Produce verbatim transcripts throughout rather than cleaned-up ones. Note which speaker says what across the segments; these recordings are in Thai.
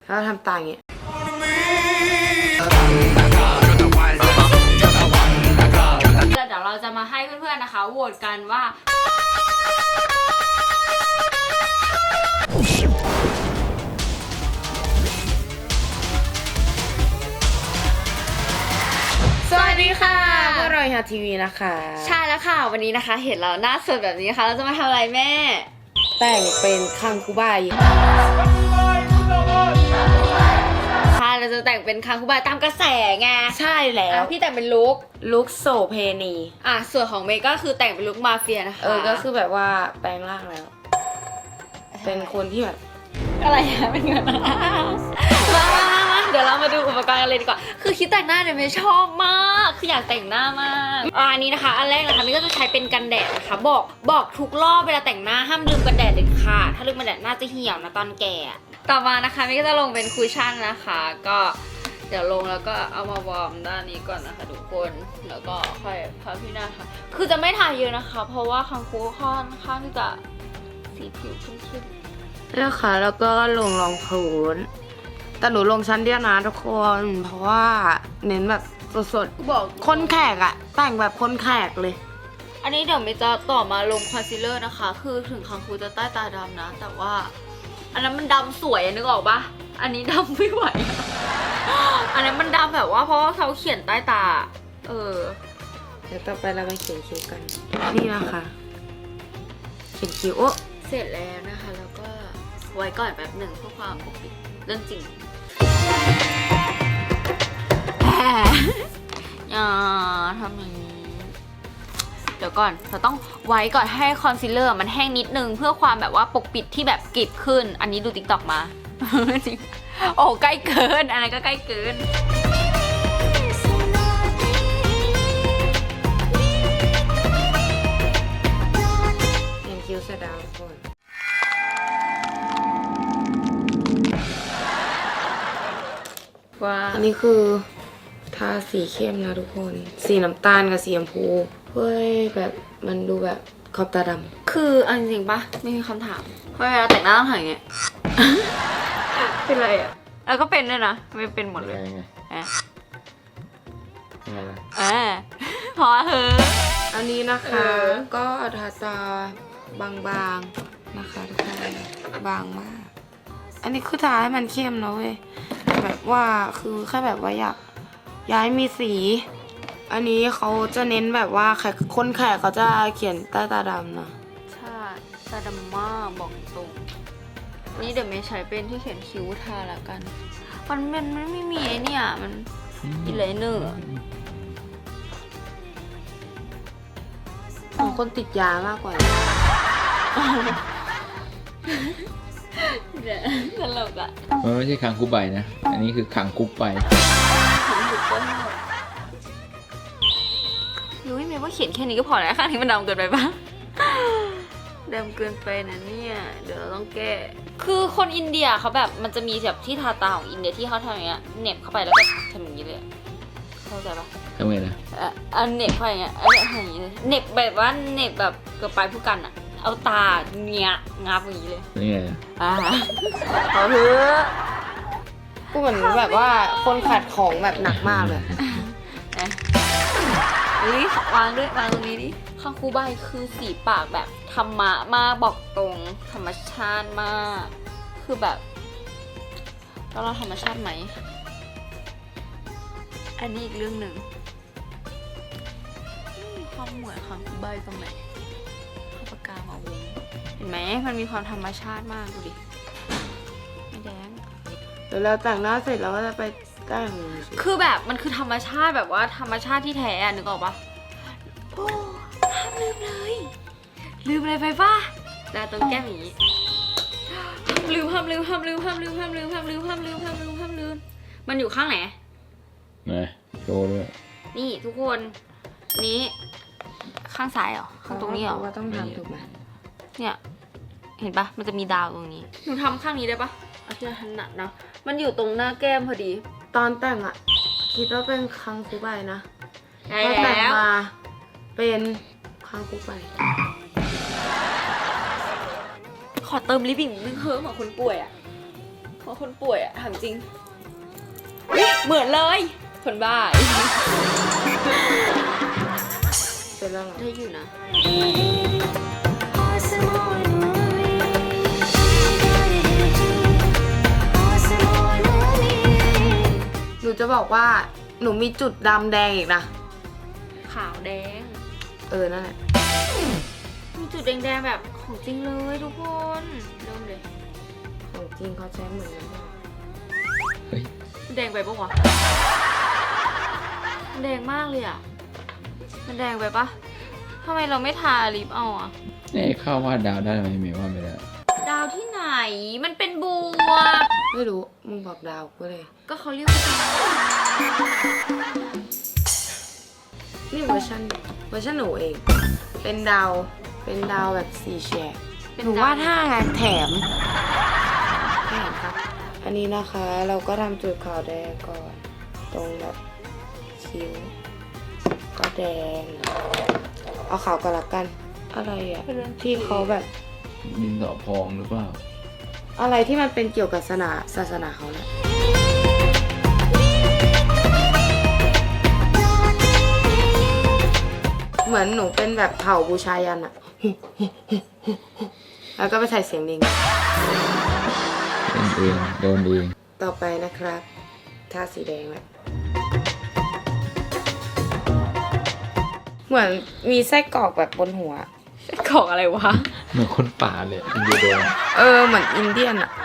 Speaker 1: แล้วทำตาอย่างเงี้ย
Speaker 2: เดี๋ยวเราจะมาให้เพื่อนๆนะคะโหวตกันว่า
Speaker 1: สวัสดีค่ะพวกเราฮาทีวีนะคะ
Speaker 2: ใช่แล้วค่ะวันนี้นะคะเห็นเราหน้าสดแบบนี้นะคะเราจะมาทำอะไรแม่
Speaker 1: แต่งเป็นคังคูบาย
Speaker 2: ค่ะเราจะแต่งเป็นคังคูบายตามกระแสไง
Speaker 1: ใช่แล้ว
Speaker 2: พี่แต่งเป็นลุค
Speaker 1: ลุคโสเพณี
Speaker 2: อ่ะส่วนของเมย์ก็คือแต่งเป็นลุคมาเฟียนะคะ
Speaker 1: เออก็คือแบบว่าแปลงร่างแล้วเป็นคนที่แบบ
Speaker 2: อะไรอะเป็นไงมามามาเดี๋ยวเรามาดูอุปกรณ์กันเลยดีกว่าคือคิดแต่งหน้าเนี่ยเมย์ชอบมากคืออยากแต่งหน้ามากอันนี้นะคะอันแรกนะคะเมย์ก็จะใช้เป็นกันแดดนะคะบอกบอกทุกรอบเวลาแต่งหน้าห้ามลืมกันแดดเด็ดขาดถ้าลืมกันแดดหน้าจะเหี่ยวนะตอนแก่ต่อมานะคะเมย์ก็จะลงเป็นคุชชั่นนะคะก็เดี๋ยวลงแล้วก็เอามาวอร์มด้านนี้ก่อนนะคะทุกคนแล้วก็ค่อยพับที่หน้าค่ะคือจะไม่ทาเยอะนะคะเพราะว่าคังคูค่อนข้างที่จะสีผิวเข้มๆ
Speaker 1: แล้วค่ะแล้วก็ลงรองพื้นแต่หนูลงชั้นเดียวนะทุกคนเพราะว่าเน้นแบบสดๆบอกคนแขกอะแต่งแบบคนแขกเลย
Speaker 2: อันนี้เดี๋ยวเมย์จะต่อมาลงคอนซีลเลอร์นะคะคือถึงคังคูจะใต้ตาดำนะแต่ว่าอันนั้นมันดำสวยนึกออกปะอันนี้ดำไม่ไหวอันนั้นมันดำแบบว่าเพราะว่าเขาเขียนใต้ตาเออ
Speaker 1: เดี๋ยวต่อไปเรามาเขียนคิ้วกันนี่นะคะเขียนคิ้วโอ้
Speaker 2: เสร็จแล้วนะคะแล้วก็ไว้ก่อนแป๊บหนึ่งเพื่อความปกปิดเรื่องจริงอย่าทำอย่างนี้เดี๋ยวก่อนเราต้องไว้ก่อนให้คอนซีลเลอร์มันแห้งนิดนึงเพื่อความแบบว่าปกปิดที่แบบกริบขึ้นอันนี้ดูติ๊กต็อกมาจริงโอ้ใกล้เกินอะไรก็ใกล้เกิน
Speaker 1: เขียนคิ้วเสร็จแล้วทุกคน
Speaker 2: ว่า
Speaker 1: อันนี้คือทาสีเข้มนะทุกคนสีน้ำตาลกับสีชมพูเพื่อแบบมันดูแบบขอบตาด
Speaker 2: ำคืออันจริงปะไม่มีคำถามเพราะเวลาแต่งหน้าต้องถ่ายไงเป็นไรอ่ะแล้วก็เป็นด้วยนะไม่เป็นหมดเลย
Speaker 3: ไง
Speaker 2: อ่ะ
Speaker 3: ไงล่ะ
Speaker 2: อ่าพอเถอะ
Speaker 1: อันนี้นะคะก็ทาตาบางๆนะคะทุกคนบางมากอันนี้คือทาให้มันเข้มนะเว้ยแบบว่าคือแค่แบบว่าอยากย้ายมีสีอันนี้เขาจะเน้นแบบว่าแขกคนแขกเขาจะเขียนใต้ตาดำนะ
Speaker 2: ใช่ตาดำมากบอกตรงนี่เดี๋ยวไม่ใช้เป็นที่เขียนคิ้วทาละกันมันมันมันไม่มีไอเนี่ยมันอิเลเนอร์
Speaker 1: ของคนติดยามากกว่า
Speaker 2: ตลกอ่ะ
Speaker 3: มันไม่ใช่คังคุใบนะอันนี้คือคังคุปไป
Speaker 2: รู้ไหมว่าเขียนแค่นี้ก็พอแล้วข้างนี้มันดำเกินไปปะดำเกินไปนะเนี่ยเดี๋ยวเราต้องแก้คือคนอินเดียเขาแบบมันจะมีแบบที่ทาตาของอินเดียที่เขาทำอย่างเงี้ยเหน็บเข้าไปแล้วก็ทำอย่างนี้เลยเข้าใจปะ
Speaker 3: ทำไงนะ
Speaker 2: อ่ะอันเหน็บเข้าอย่างเงี้ยอันทำอย่างนี้เลยเหน็บแบบว่าเหน็บแบบเกือบปลายผู้กันอะเอาตาเงี้ยงับอย่างนี้เลย
Speaker 3: นี่ไง
Speaker 2: อ่าเขาเถอะ
Speaker 1: ก็เหมือนแบบว่าคนขัดของแบบหนักมากเลย
Speaker 2: นี่วางด้วยวางตรงนี้ดิคังคูใบคือสีปากแบบธรรมะมากบอกตรงธรรมชาติมากคือแบบแล้วเราธรรมชาติไหมอันนี้อีกเรื่องหนึ่งความเหมือนคังคูใบตรงไหนเอาปากกามาวงเห็นไหมมันมีความธรรมชาติมากดูดิไม่แดง
Speaker 1: เดี๋ยวเราแต่งหน้าเสร็จเราก็จะไปแต่ง
Speaker 2: คือแบบมันคือธรรมชาติแบบว่าธรรมชาติที่แท้นึกออกปะโอ้ห้ามลืมเลยลืมอะไรไปปะดาตรงแก้มอย่างนี้ลืมห้ามลืมห้ามลืมห้ามลืมห้ามลืมห้ามลืมห้ามลืมห้ามลืมห้ามลืมมันอยู่ข้างไหน
Speaker 3: ไหนโชว์ด้วย
Speaker 2: นี่ทุกคนนี้ข้างซ้ายเหรอข้างตรงนี้เหรอ
Speaker 1: ว่าต้องทำถูกไหม
Speaker 2: เนี่ยเห็นปะมันจะมีดาวตรงนี้หนูทำข้างนี้ได้ปะเอาที่ถนัดนะมันอยู่ตรงหน้าแก้มพอดี
Speaker 1: ตอนแต่งอะคิดว่าเป็นคังคูใบนะพอแต่งมาเป็นคังคูใบ
Speaker 2: ขอเติมลิปอีกนึงเพิ่มของคนป่วยอะขอของคนป่วยอะถามจริงเฮ้ยเหมือนเลยคนบ้า
Speaker 1: เป็นแล้วเหรอ
Speaker 2: ได้อยู่นะ
Speaker 1: หนูจะบอกว่าหนูมีจุดดำแดงอีกนะ
Speaker 2: ขาวแดง
Speaker 1: เออ นั่นแหละ
Speaker 2: มีจุดแดงๆแบบของจริงเลยทุกคนเริ่มเลย
Speaker 1: ของจริงเขาใช้เหมือนกันปะ
Speaker 3: เฮ้ย
Speaker 2: มันแดงไปปะวะมันแดงมากเลยอ่ะมันแดงไปปะทำไมเราไม่ทาลิปเอาอ่ะ
Speaker 3: นี่เข้าวาดดาวได้ไหมเมย์ว่าไม่ได้
Speaker 2: ดาวที่ไหนมันเป็นบวก
Speaker 1: ไม่รู้ มึงบอกดาวกูเลย
Speaker 2: ก็เขาเรียกว่าดาว
Speaker 1: นี่เวอร์ชันเวอร์ชันหนูเอง เป็นดาว เป็นดาวแบบสี่แฉก
Speaker 2: เป็น
Speaker 1: หนู
Speaker 2: ด
Speaker 1: ว่าถ้าไงแถมแถมครับ อันนี้นะคะเราก็ทำจุดขาวแดงก่อน ตรงแบบคิ้ว ก็แดง เอาขาวก่อนละกัน อะไรอะที่เขาแบบ
Speaker 3: ดินสอพองหรือเปล่า
Speaker 1: อะไรที่มันเป็นเกี่ยวกับศาสนาศาสนาเขาเนี่ยเหมือนหนูเป็นแบบเผ่าบูชายันอะ แล้วก็ไปใส่เสียงลิง
Speaker 3: เป็นเองโดนเอง
Speaker 1: ต่อไปนะครับทาสีแดงแล้วเหมือนมีไส้กรอกแบบบนหัว
Speaker 2: ของอะไรวะ
Speaker 3: เหมือนคนป่าเลยอินเดียแดง
Speaker 1: เออเหมือนอินเดียนอะ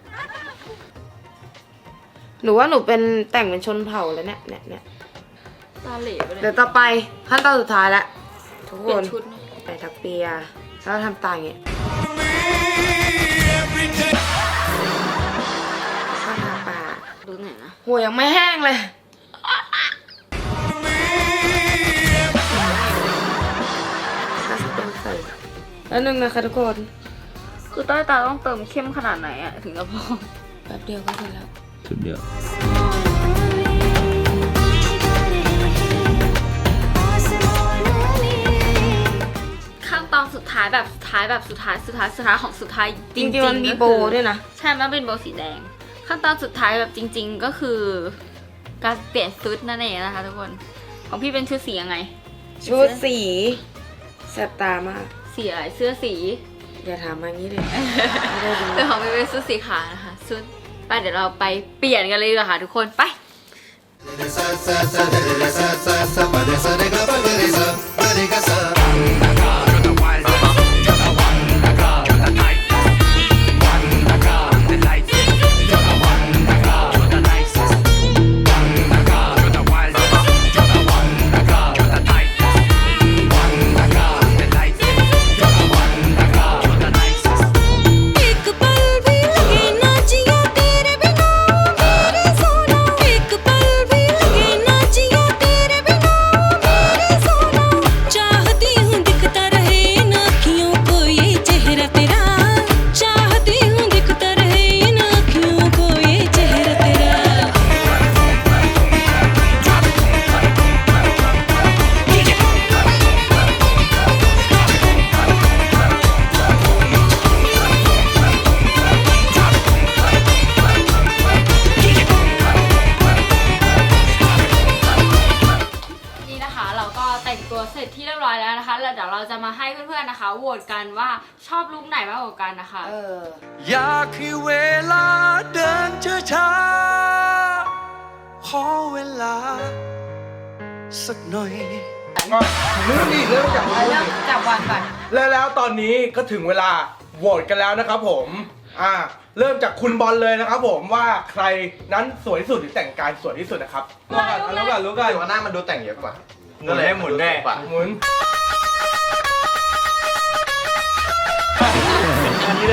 Speaker 1: หนูว่าหนูเป็นแต่งเป็นชนเผ่าแล้วเนี่ยเนี่ยเนี่ย
Speaker 2: ตาเหล่ไปเลย
Speaker 1: เดี๋ยวต่อไปขั้นตอนสุดท้ายละทุก
Speaker 2: เป
Speaker 1: ค
Speaker 2: ลี่ย
Speaker 1: น
Speaker 2: นชุดนะ
Speaker 1: ใส่ทักเปียแล้วทำตาอย่างเงี้ยก็ทาปาก
Speaker 2: ดูไหนอยนะ
Speaker 1: หัวยังไม่แห้งเลยก็สเต็มใส่แล้วหนึ่งนะคะทุกคน
Speaker 2: คือใต้ตาต้องเติมเข้มขนาดไหนอะถึงจะพอ
Speaker 1: แป๊บเดียวก็เสร็จแล้ว
Speaker 3: สุดเดียว
Speaker 2: ขั้นตอนสุดท้ายแบบสุดท้ายแบบสุดท้ายสุดท้ายสุดท้ายของสุดท้ายจ
Speaker 1: จ
Speaker 2: ริง
Speaker 1: ริงๆมันมี
Speaker 2: ก็
Speaker 1: โบ
Speaker 2: คือ
Speaker 1: ด้วยนะ
Speaker 2: ใช่ มันเป็นโบสีแดง ขั้นตอนสุดท้ายแบบจริง ๆ ก็คือ การเปลี่ยนชุดนั่นเองนะคะทุกคน ของพี่เป็นชุดสียังไง
Speaker 1: ชุดสีแสบตามาก
Speaker 2: สีอะไร เสื้อสี
Speaker 1: อย่าถามมาอย่างนี้เลยไม่ได้ดู
Speaker 2: แต่ของพี่เป็นชุดสีขาวนะคะชุดไปเดี๋ยวเราไปเปลี่ยนกันเลยดีกว่าค่ะทุกคน ไป
Speaker 4: एक पल भी लगे ना जिया तेरे बिना मेरे सोना एक पल भी लगे ना जिया तेरे बिना मेरे सोना चाहती हूँ दिखता रहे इन अखियों को ये चेहरा तेरा चाहती हूँ दिखता रहे इन अखियों को ये चेहरा तेरा
Speaker 2: นี่นะคะเราก็แต่งตัวเสร็จที่เรียบร้อยแล้วนะคะ แล้วเดี๋ยวเราจะมาให้เพื่อนๆนะคะโหวตกันว่าชอบลุคไหนมากกว่ากันนะคะ
Speaker 1: เออ
Speaker 5: อยากให้เวลาเดินช้าๆขอเวลา สักหน่อย
Speaker 6: นู่นนี่เริ่มจาก
Speaker 1: เริ่มจับวันก่อน
Speaker 6: แล้วแล้วตอนนี้ก็ถึงเวลาโหวตกันแล้วนะครับผม อ่า เริ่มจากคุณบอลเลยนะครับผมว่าใครนั้นสวยที่สุดหรือแต่งกายสวยที่สุดนะครับรู้กันรู้กันรู้กัน
Speaker 7: ว่าหน้ามันดูแต่งเยอะกว่า
Speaker 6: หมุนได้หมุนได้หมุน
Speaker 7: อันนี้เลย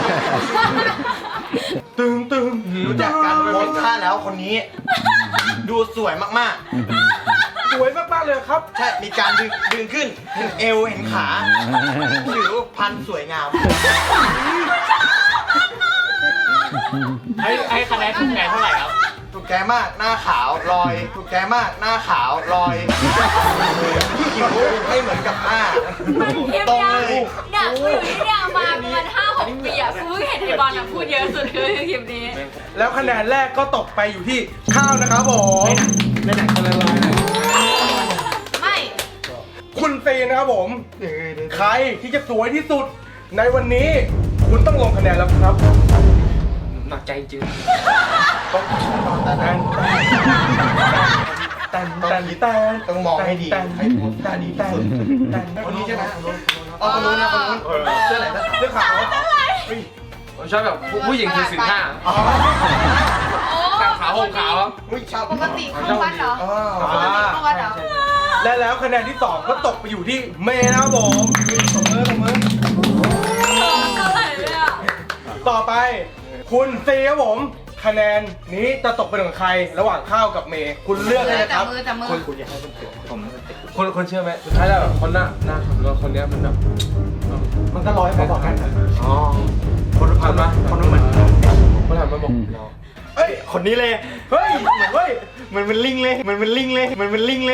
Speaker 6: ตึงตึง
Speaker 7: รู้จักกันโพสท่าแล้วคนนี้ ดูสวยมาก
Speaker 6: สวยมากๆเลยครับ
Speaker 7: ๆ ใช่ มีการดึงดึงขึ้น เห็นเอว เห็นขาผิวพันสวยงาม
Speaker 8: ให้ให้คะแนนทุกคะแนนเท่าไหร่ครับ
Speaker 7: ทถูกใจมากหน้าขาวรอยถูกใจมากหน้าขาวรอยผิวไม่เหมือนกับหน้า
Speaker 2: เทียบ
Speaker 7: ตรง
Speaker 2: ยา
Speaker 7: เลย
Speaker 2: เนี่ยกูอยู่ที่เนี่ยมาประมาณห้าหกปีอะกูเพิ่งเห็นไอบอลอะพูดเยอะสุดคือคลิปนี้
Speaker 6: แล้วคะแนนแรกก็ตกไปอยู่ที่ข้าวนะครับผม
Speaker 7: ในไหนคนละลายนะ
Speaker 2: ไม่
Speaker 6: คุณซีนะครับผม ใครที่จะสวยที่สุดในวันนี้ คุณต้องลงคะแนนแล้วครับ
Speaker 7: หนักใจจริง
Speaker 6: ต้องแตนแตนแตนแตนแตน
Speaker 7: ต้องมองให้ดี
Speaker 6: แตน
Speaker 7: ให้พูด
Speaker 6: แตนแตนแตน
Speaker 7: คนนี้ใช่ไหมเอาคนนู้นนะคนนู้นเสื้อไหนนะ
Speaker 6: เสื้อขาว
Speaker 8: ผมชอบแบบผู้หญิงคือสินห้า
Speaker 7: อ๋อ
Speaker 8: แต่ขาวห่มขาวอะ
Speaker 7: อุ้ยชอบ
Speaker 2: ปกติเข้าวัดเหรอ
Speaker 7: อ๋อ
Speaker 2: ปกติเข้าวัดเหรอ
Speaker 6: และแล้วคะแนนที่สองก็ตกไปอยู่ที่เมย์นะครับผมตบมือตบมือ
Speaker 2: เท่าไหร่เลยอะ
Speaker 6: ต่อไป คุณซีครับผม คะแนนนี้จะตกเป็นของใคร ระหว่างข้าวกับเมย์คุณเลือกเลยนะค
Speaker 1: จั
Speaker 6: รั
Speaker 1: บบ มือจับมือ
Speaker 7: คุณอยากให้มันเกิดผมมันติด
Speaker 8: คนคนเชื่อไหมสุดท้ายแล้วแบบคนหน้าหน้าคนคนเนี้ยมันแบบ
Speaker 7: มันก็ร้อยพอๆกัน
Speaker 8: อ๋อ
Speaker 7: คน
Speaker 8: ผ่านมา
Speaker 7: คนนู้นเหมือน
Speaker 8: คนผ่านมาบอกเรา
Speaker 7: เฮ้ยคนนี้เลย
Speaker 6: เฮ้ยเฮ้ย
Speaker 7: เหมือนเป็นลิงเลยเหมือนเป็นลิงเลยเหมือนเป็นลิงเลย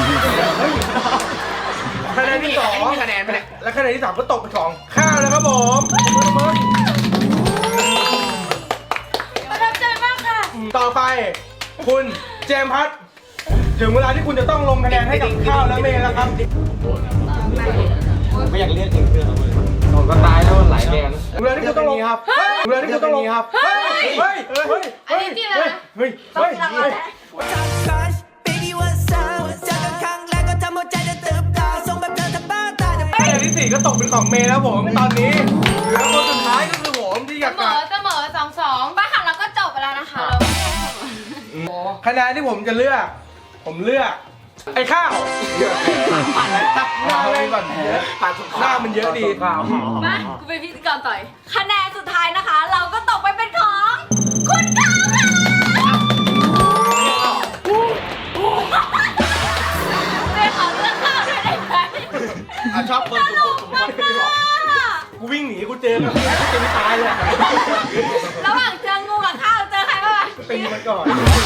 Speaker 6: คะแนนที่สอง
Speaker 7: มีคะแนนไหมเนี่ย
Speaker 6: และคะแนนที่สามก็ตกเป็นของข้าวนะครับผม
Speaker 2: ประทับใจมากค่ะ
Speaker 6: ต่อไป คุณเจมส์พัทถึงเวลาที่คุณจะต้องลงคะแนนให้กับข้าวและเมย์แล้วครับ
Speaker 7: ไม่อยากเรียกเองเพื่อนเลย
Speaker 8: ผมก็ตายแล้วมันหลายแดง
Speaker 6: เวลาที่คุณต้องลงครับเวลาที่คุณต้องลงครับเฮ้ยเฮ้ยเฮ้ย
Speaker 2: อันนี้ที่อะไรนะ
Speaker 6: เฮ้ยเฮ้ย
Speaker 2: ต้อง
Speaker 6: เฮ้ย
Speaker 2: รางวัลแล้ว
Speaker 5: Baby what's up เจอกันครั้งแรกก็ทำหัวใจจะเติบโตส่งแบบเธอทั้งบ้านตาย
Speaker 6: คะแนนที่สี่ก็ตกเป็นของเมย์แล้วผมตอนนี้เหลือคนสุดท้ายก็คือผมที่อ
Speaker 2: เส
Speaker 6: ยาก
Speaker 2: ม
Speaker 6: จะ
Speaker 2: อเสมอสองสองป้าหันเราก็จบไปแล้วนะคะเราไม่ได้เสมอ
Speaker 6: คะแนนที่ผมจะเลือก ผมเลือก ไอ้ข้าวหน้าเลยก่อนเยอะหน้ามันเยอะดี
Speaker 8: ข่าว
Speaker 2: มากูเป็นพิธีกรต่อย คะแนนสุดท้ายนะคะ เราก็ตกไปเป็นของคุณก้าวค่ะเป็นของเรื่องข้าวด้วยได้ไหม
Speaker 7: อ่ะชอบคนสุขุมสุขคนที่บอก
Speaker 6: กูวิ่งหนีกูเจอกับเจอตายเลย
Speaker 2: ระหว่างเจองูกับข้าวเจอใครบ้าง
Speaker 6: ตีมันก่อน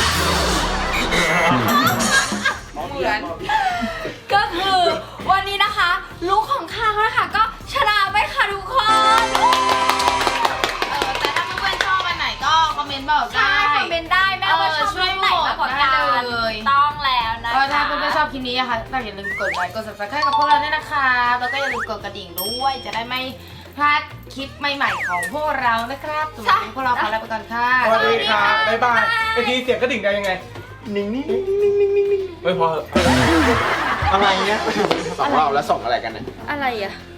Speaker 1: เหมือน
Speaker 2: ก็คือวันนี้นะคะลูกของข้าวนะคะก็ชนะไปค่ะทุกคน
Speaker 1: เออแต่ถ้าเพื่อนๆชอบอันไหนก็คอมเมนต์บอก
Speaker 2: ใช่
Speaker 1: ได้
Speaker 2: คอมเมนต์ได้แม่ว่าชอบ
Speaker 1: เออช่วย
Speaker 2: รูปไหนมากกว่ากัน
Speaker 1: โหวตได้เลย
Speaker 2: ต้องแล้วนะ
Speaker 1: ก็
Speaker 2: คะ
Speaker 1: ถ้าเพื่อนๆชอบคลิปนี้นะคะก็อย่าลืมกดไลค์กด subscribe กับพวกเราด้วยนะคะแล้วก็อย่าลืมกดกระดิ่งด้วย จะได้ไม่พลาดคลิปใหม่ๆของพวกเรานะครับสำหรับวันนี้พวกเราขอลาไปก่อนค่ะ
Speaker 6: สวัสดีครับ บ๊ายบายไอทีเสียงกระดิ่งได้ยังไง
Speaker 7: นิ่งนิ่งนิ่งนิ่งนิ่งนิ่งนิ่ง
Speaker 8: ไม่พอเหอะ
Speaker 7: อะไรเงี้ยสองเราแล้วส่งอะไรกันเนี่ย
Speaker 2: อะไรอ่ะ